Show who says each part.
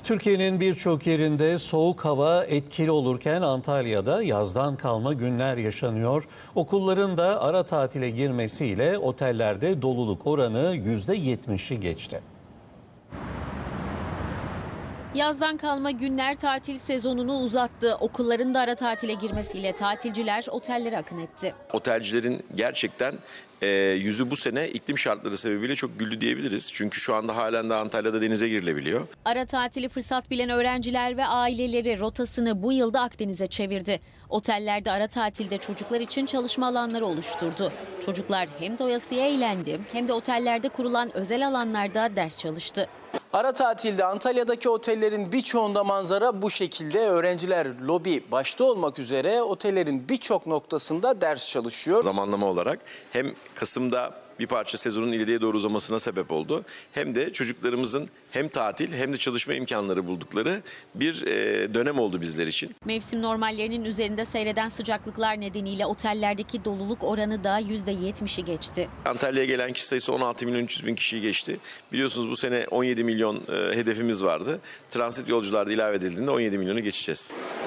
Speaker 1: Türkiye'nin birçok yerinde soğuk hava etkili olurken Antalya'da yazdan kalma günler yaşanıyor. Okulların da ara tatile girmesiyle otellerde doluluk oranı %70'i geçti.
Speaker 2: Yazdan kalma günler tatil sezonunu uzattı. Okulların da ara tatile girmesiyle tatilciler otellere akın etti.
Speaker 3: Otelcilerin gerçekten yüzü bu sene iklim şartları sebebiyle çok güldü diyebiliriz. Çünkü şu anda halen de Antalya'da denize girilebiliyor.
Speaker 2: Ara tatili fırsat bilen öğrenciler ve aileleri rotasını bu yılda Akdeniz'e çevirdi. Otellerde ara tatilde çocuklar için çalışma alanları oluşturdu. Çocuklar hem doyasıya eğlendi hem de otellerde kurulan özel alanlarda ders çalıştı.
Speaker 4: Ara tatilde Antalya'daki otellerin birçoğunda manzara bu şekilde. Öğrenciler lobi başta olmak üzere otellerin birçok noktasında ders çalışıyor.
Speaker 3: Zamanlama olarak hem Kasım'da bir parça sezonun ileriye doğru uzamasına sebep oldu. Hem de çocuklarımızın hem tatil hem de çalışma imkanları buldukları bir dönem oldu bizler için.
Speaker 2: Mevsim normallerinin üzerinde seyreden sıcaklıklar nedeniyle otellerdeki doluluk oranı da %70'i geçti.
Speaker 3: Antalya'ya gelen kişi sayısı 16 milyon 300 bin kişiyi geçti. Biliyorsunuz bu sene 17 milyon hedefimiz vardı. Transit yolcular da ilave edildiğinde 17 milyonu geçeceğiz.